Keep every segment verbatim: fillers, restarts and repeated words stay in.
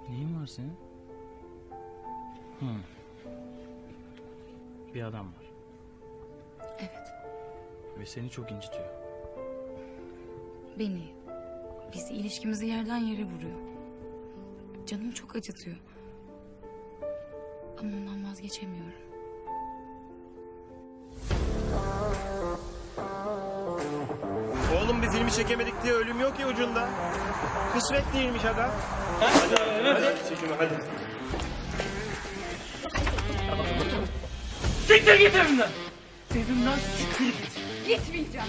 Neyin var senin? Hı. Bir adam var. Evet. Ve seni çok incitiyor. Beni. Bizi ilişkimizi yerden yere vuruyor. Canımı çok acıtıyor. Ama ondan vazgeçemiyorum. Oğlum biz ilmi çekemedik diye ölüm yok ya ucunda. Kısmet değilmiş aga. Hadi hadi, hadi. Çekime hadi. Siktir git evimden. Evimden siktir git. Gitmeyeceğim.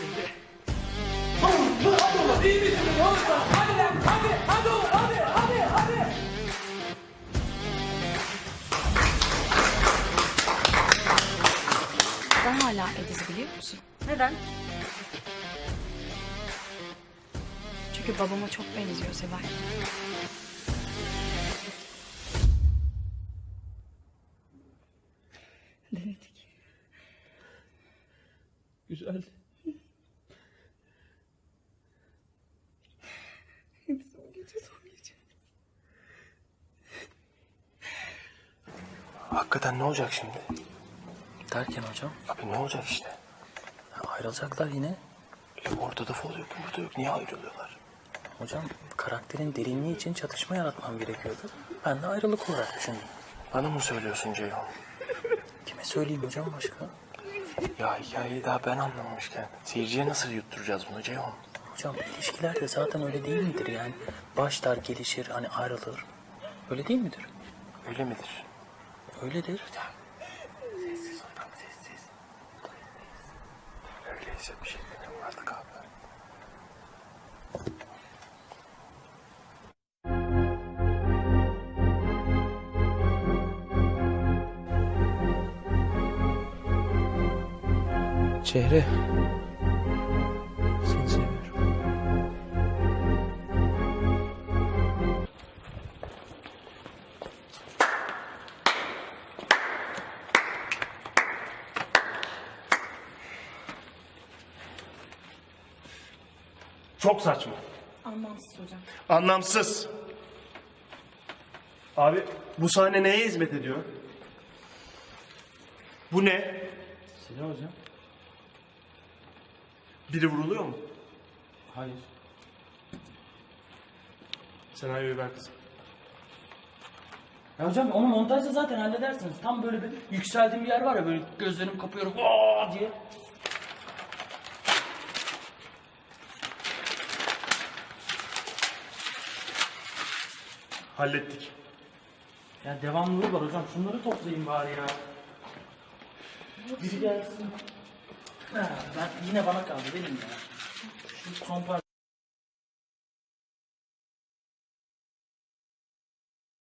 İyi misin? Hadi lan hadi hadi oğlum hadi hadi hadi. Ben hala Ediz'i biliyor musun? Neden? Çünkü babama çok benziyor Seval. Denedik. Güzel. Biz o gece son gece. Hakikaten ne olacak şimdi? Derken hocam? Abi ne olacak işte? Ya ayrılacaklar yine. E, ortada fol yok, burada yok. Niye ayrılıyorlar? Hocam karakterin derinliği için çatışma yaratmam gerekiyordu. Ben de ayrılık olarak düşündüm. Bana mı söylüyorsun Ceyhun? Kime söyleyeyim hocam başka? Ya hikayeyi daha ben anlamamışken seyirciye nasıl yutturacağız bunu Ceyhun? Hocam ilişkiler de zaten öyle değil midir yani? Başlar gelişir hani ayrılır. Öyle değil midir? Öyle midir? Öyledir. Sessiz ol tam sessiz. Öyleyse bir şey benim artık abi. Çehre. Seni seviyorum. Çok saçma. Anlamsız hocam. Anlamsız. Abi bu sahne neye hizmet ediyor? Bu ne? Silah hocam. Biri vuruluyor mu? Hayır. Senaryoyu ver kızım. Ya hocam onu montajda zaten halledersiniz. Tam böyle bir yükseldiğim bir yer var ya böyle gözlerimi kapıyorum aa diye. Hallettik. Ya devamlılığı var hocam. Şunları toplayayım bari ya. Biri gelsin. Ha, ben yine bana kaldı benim ya. Şu son parça.